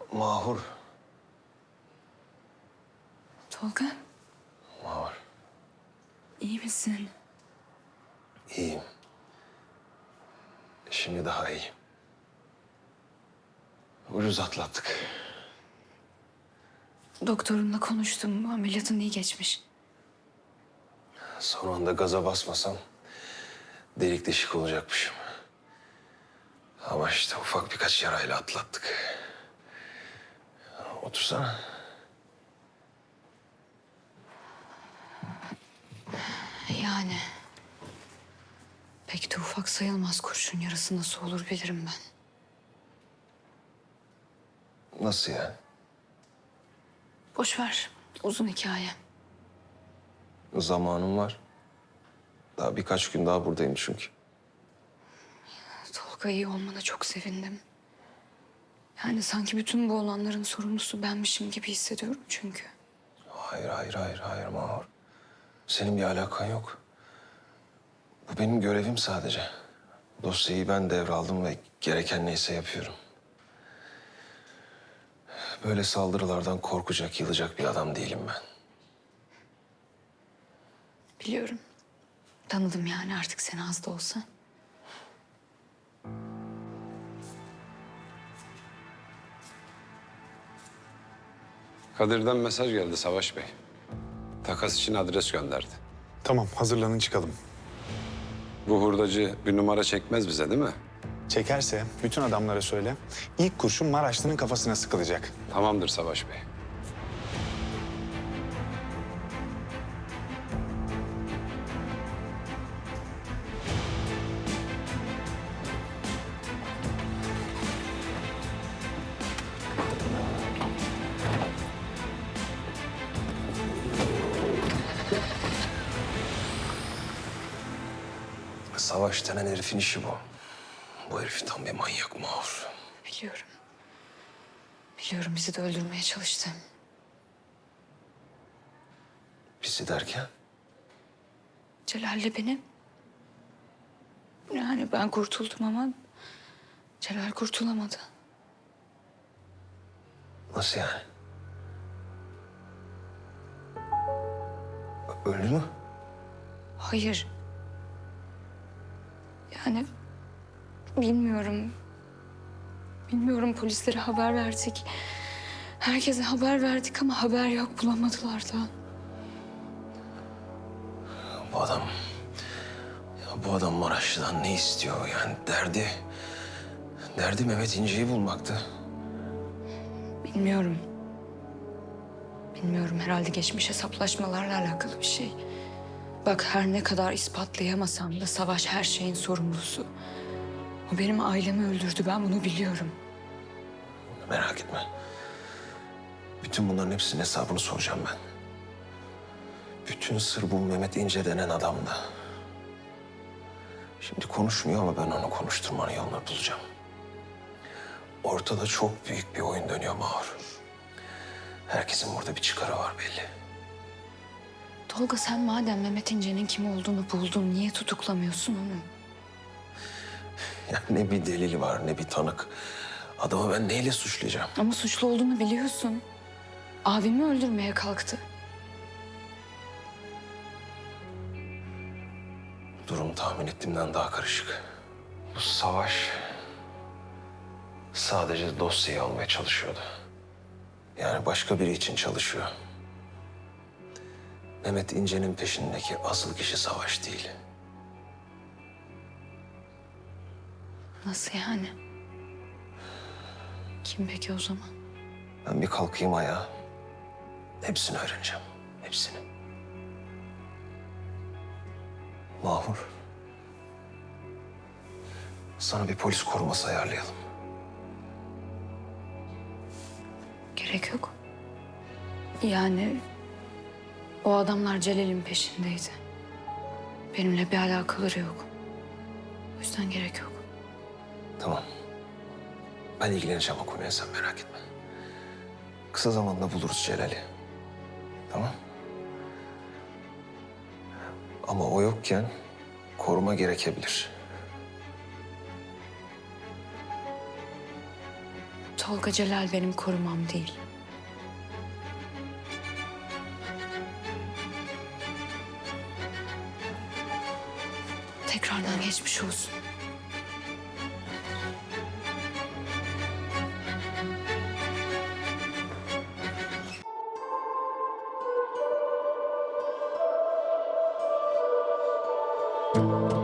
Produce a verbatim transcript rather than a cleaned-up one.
Mahur. Tolga, Mahur. iyi misin? İyiyim. Şimdi daha iyiyim. Ucuz atlattık. Doktorunla konuştum. Ameliyatın iyi geçmiş. Son anda gaza basmasam delik deşik olacakmışım. Ama işte ufak birkaç yarayla atlattık. Otursana. Yani pek de ufak sayılmaz, kurşun yarası nasıl olur bilirim ben. Nasıl yani? Boş ver, uzun hikaye. Zamanım var. Daha birkaç gün daha buradayım çünkü. Tolga, iyi olmana çok sevindim. Yani sanki bütün bu olanların sorumlusu benmişim gibi hissediyorum çünkü. Hayır, hayır, hayır, hayır Mahur. Senin bir alakan yok. Bu benim görevim sadece. Dosyayı ben devraldım ve gereken neyse yapıyorum. Böyle saldırılardan korkacak, yılacak bir adam değilim ben. Biliyorum. Tanıdım yani artık seni az da olsa. Kadir'den mesaj geldi Savaş Bey. Takas için adres gönderdi. Tamam, hazırlanın çıkalım. Bu hurdacı bir numara çekmez bize değil mi? Çekerse bütün adamlara söyle. İlk kurşun Maraşlı'nın kafasına sıkılacak. Tamamdır Savaş Bey. Savaş denen herifin işi bu. Bu herif tam bir manyak Mahur. Biliyorum. Biliyorum, bizi de öldürmeye çalıştı. Bizi derken? Celal'le beni. Yani ben kurtuldum ama Celal kurtulamadı. Nasıl yani? Ö- Öldü mü? Hayır. Yani bilmiyorum. Bilmiyorum, polislere haber verdik. Herkese haber verdik ama haber yok, bulamadılar da. Bu adam... Ya bu adam Maraşlı'dan ne istiyor? Yani derdi... Derdi Mehmet İnce'yi bulmaktı. Bilmiyorum. Bilmiyorum, herhalde geçmiş hesaplaşmalarla alakalı bir şey. Bak, her ne kadar ispatlayamasam da Savaş her şeyin sorumlusu. O benim ailemi öldürdü, ben bunu biliyorum. Merak etme. Bütün bunların hepsinin hesabını soracağım ben. Bütün sır bu Mehmet İnce denen adamda. Şimdi konuşmuyor ama ben onu konuşturmanın yolunu bulacağım. Ortada çok büyük bir oyun dönüyor Mahur. Herkesin burada bir çıkarı var belli. Tolga, sen madem Mehmet İnce'nin kim olduğunu buldun, niye tutuklamıyorsun onu? Ya ne bir delil var ne bir tanık. Adamı ben neyle suçlayacağım? Ama suçlu olduğunu biliyorsun. Abimi öldürmeye kalktı. Durum tahmin ettiğimden daha karışık. Bu Savaş sadece dosyayı almaya çalışıyordu. Yani başka biri için çalışıyor. Mehmet İnce'nin peşindeki asıl kişi Savaş değil. Nasıl yani? Kim peki o zaman? Ben bir kalkayım ayağa. Hepsini öğreneceğim. Hepsini. Mahur. Sana bir polis koruması ayarlayalım. Gerek yok. Yani o adamlar Celal'in peşindeydi. Benimle bir alakaları yok. O yüzden gerek yok. Tamam. Ben ilgileneceğim o konuya, sen merak etme. Kısa zamanda buluruz Celal'i. Tamam. Ama o yokken koruma gerekebilir. Tolga Celal benim korumam değil. Tekrardan geçmiş olsun. Thank you.